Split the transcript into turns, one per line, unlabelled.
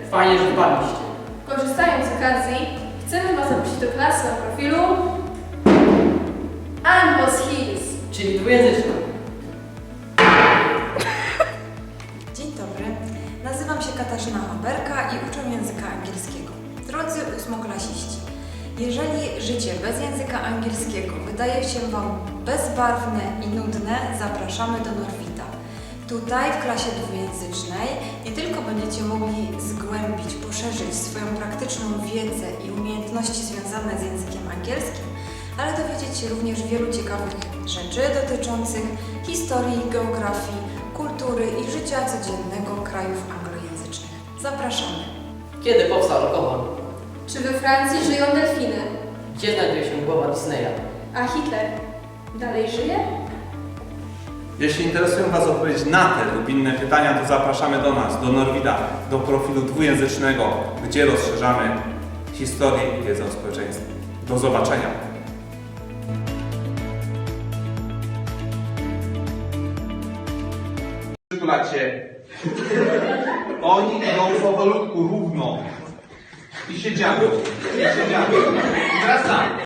Fajnie, że wpadliście.
Korzystając z okazji, chcemy Was zaprosić do klasy o profilu Anbos Hills.
Czyli dwujęzyczna.
Dzień dobry, nazywam się Katarzyna Haberka i uczę języka angielskiego. Drodzy ósmoklasiści, jeżeli życie bez języka angielskiego wydaje się Wam bezbarwne i nudne, zapraszamy do Norwida. Tutaj w klasie dwujęzycznej nie tylko będziecie mogli zgłębić, poszerzyć swoją praktyczną wiedzę i umiejętności związane z językiem angielskim, ale dowiedzieć się również wielu ciekawych rzeczy dotyczących historii, geografii, kultury i życia codziennego krajów anglojęzycznych. Zapraszamy!
Kiedy powstał alkohol?
Czy we Francji żyją delfiny?
Gdzie znajduje się głowa Disneya?
A Hitler dalej żyje?
Jeśli interesują Was odpowiedzi na te lub inne pytania, to zapraszamy do nas, do Norwida, do profilu dwujęzycznego, gdzie rozszerzamy historię i wiedzę o społeczeństwie. Do zobaczenia! Przytulacie. Oni idą powolutku, równo. I siedziamy. I teraz tak.